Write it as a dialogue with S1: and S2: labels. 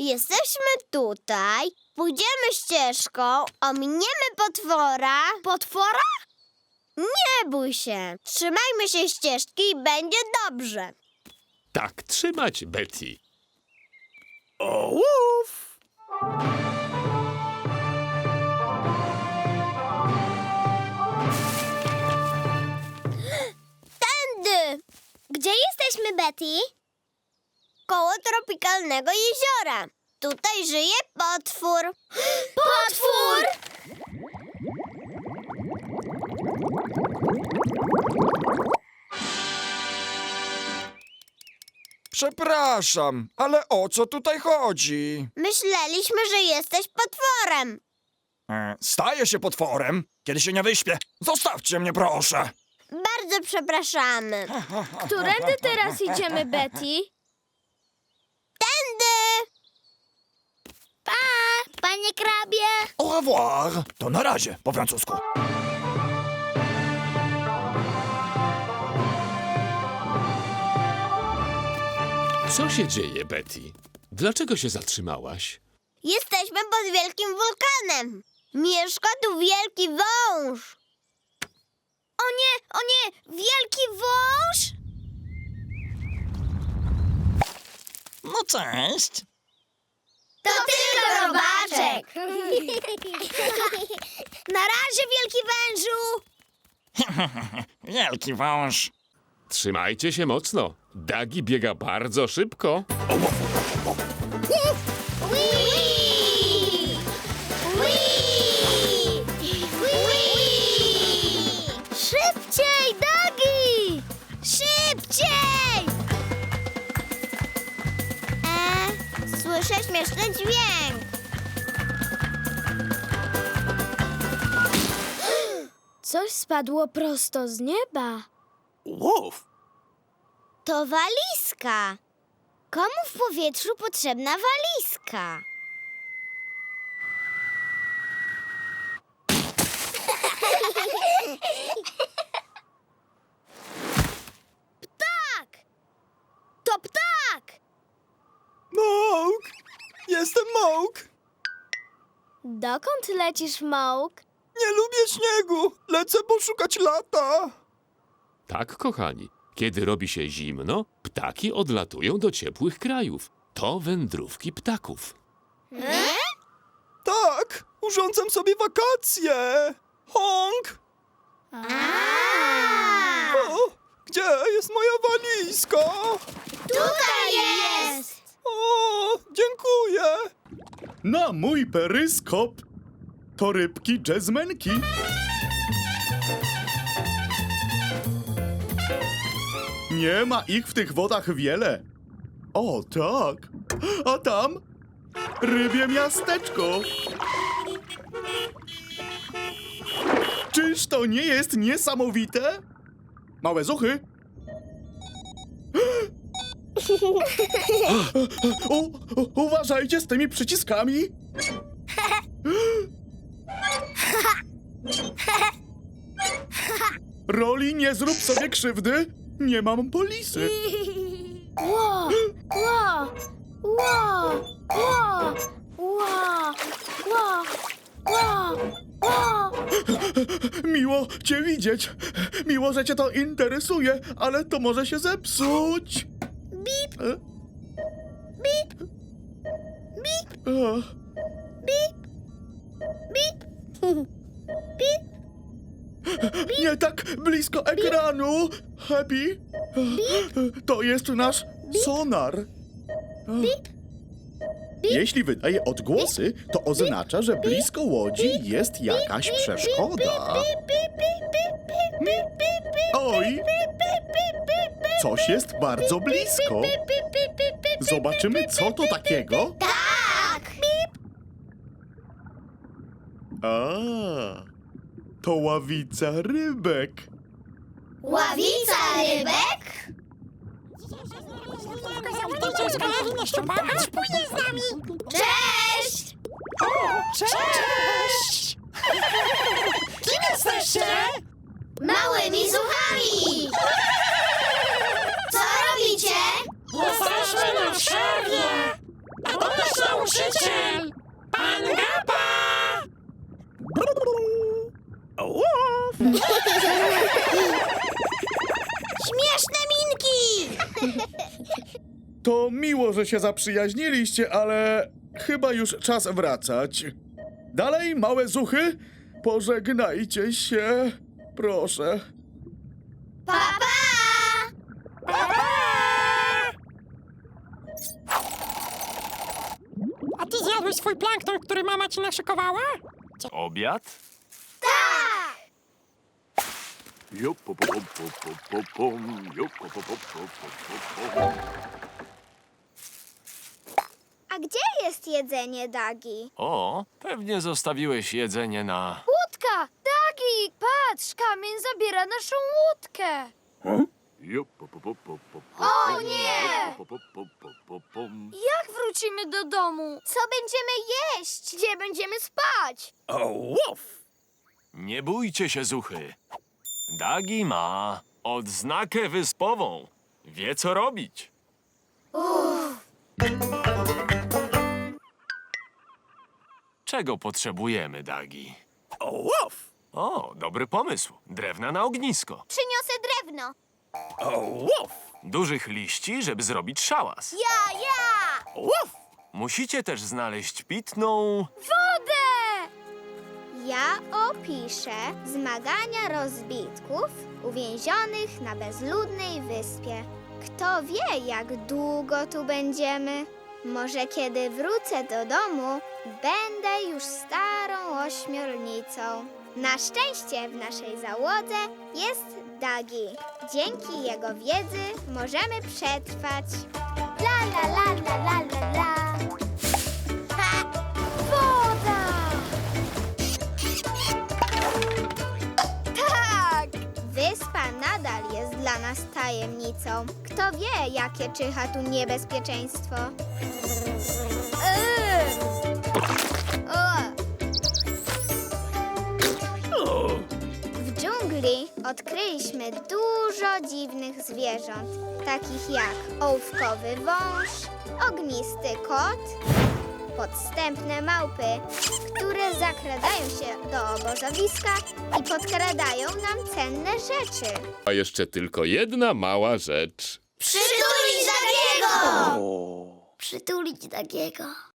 S1: Jesteśmy tutaj, pójdziemy ścieżką, ominiemy potwora. Potwora? Nie bój się. Trzymajmy się ścieżki i będzie dobrze.
S2: Tak trzymać, Betty.
S3: Ołów!
S1: Tędy! Gdzie jesteśmy, Betty? Koło tropikalnego jeziora. Tutaj żyje potwór. Potwór!
S3: Przepraszam, ale o co tutaj chodzi?
S1: Myśleliśmy, że jesteś potworem.
S3: Staję się potworem, kiedy się nie wyśpię. Zostawcie mnie, proszę.
S1: Bardzo przepraszamy.
S4: Którędy teraz idziemy, Betty?
S1: Tędy! Pa, panie krabie!
S3: Au revoir. To na razie, po francusku.
S2: Co się dzieje, Betty? Dlaczego się zatrzymałaś?
S1: Jesteśmy pod wielkim wulkanem. Mieszka tu wielki wąż. O nie, wielki wąż?
S3: No cześć.
S1: To tylko robaczek. Na razie, wielki wężu.
S3: Wielki wąż.
S2: Trzymajcie się mocno. Dagi biega bardzo szybko.
S1: Szybciej, Dagi! Szybciej! Słyszę śmieszny dźwięk.
S4: Coś spadło prosto z nieba.
S3: Łów.
S1: To walizka. Komu w powietrzu potrzebna walizka? Ptak! To ptak!
S3: Mołk. Jestem Mołk.
S4: Dokąd lecisz, Mołk?
S3: Nie lubię śniegu. Lecę poszukać lata.
S2: Tak, kochani. Kiedy robi się zimno, ptaki odlatują do ciepłych krajów. To wędrówki ptaków.
S3: Tak, urządzam sobie wakacje. Honk. O, gdzie jest moja walizka?
S1: Tutaj jest!
S3: O, dziękuję.
S5: Na mój peryskop to rybki jazzmenki. Nie ma ich w tych wodach wiele. O, tak. A tam rybie miasteczko. Czyż to nie jest niesamowite? Małe zuchy. Uważajcie z tymi przyciskami. Roli, nie zrób sobie krzywdy. Nie mam polisy.
S4: Ło, ło, ło, ło, ło, ło, ło, ło.
S5: Miło cię widzieć. Miło, że cię to interesuje, ale to może się zepsuć. Bip. Bip. Bip. Bip. Nie tak blisko ekranu. Happy. To jest nasz sonar. Jeśli wydaje odgłosy, to oznacza, że blisko łodzi jest jakaś przeszkoda. Oj! Coś jest bardzo blisko. Zobaczymy, co to takiego.
S1: Tak!
S5: A, to ławica rybek.
S1: Ławica rybek? Cześć!
S6: Cześć! Kim jesteście?
S1: Małymi zuchami! Co robicie?
S6: Jesteśmy na przerwie! A to jest Nauczyciel! Pan Gapa!
S1: Śmieszne minki!
S5: To miło, że się zaprzyjaźniliście, ale chyba już czas wracać. Dalej, małe zuchy, pożegnajcie się. Proszę.
S1: Pa, pa!
S6: A ty zjadłeś swój plankton, który mama ci naszykowała?
S7: Obiad?
S1: Tak! A gdzie jest jedzenie, Dagi?
S7: O, pewnie zostawiłeś jedzenie na...
S4: Łódka! Dagi! Patrz, kamień zabiera naszą łódkę.
S1: O nie!
S4: Jak wrócimy do domu?
S1: Co będziemy jeść?
S4: Gdzie będziemy spać?
S7: Nie bójcie się, zuchy. Dagi ma odznakę wyspową. Wie, co robić. Czego potrzebujemy, Dagi? O, dobry pomysł. Drewna na ognisko.
S1: Przyniosę drewno.
S7: Dużych liści, żeby zrobić szałas.
S1: Ja!
S7: Musicie też znaleźć pitną...
S4: Wodę!
S1: Ja opiszę zmagania rozbitków uwięzionych na bezludnej wyspie. Kto wie, jak długo tu będziemy? Może kiedy wrócę do domu, będę już starą ośmiornicą. Na szczęście w naszej załodze jest Dagi. Dzięki jego wiedzy możemy przetrwać. La la la la la la la. Ha! Woda! Tak! Wyspa nadal jest dla nas tajemnicą. Kto wie, jakie czyha tu niebezpieczeństwo? W dżungli odkryliśmy dużo dziwnych zwierząt, takich jak ołówkowy wąż, ognisty kot, podstępne małpy, które zakradają się do obozowiska i podkradają nam cenne rzeczy.
S2: A jeszcze tylko jedna mała rzecz.
S1: Przytulić Dagiego! Przytulić Dagiego.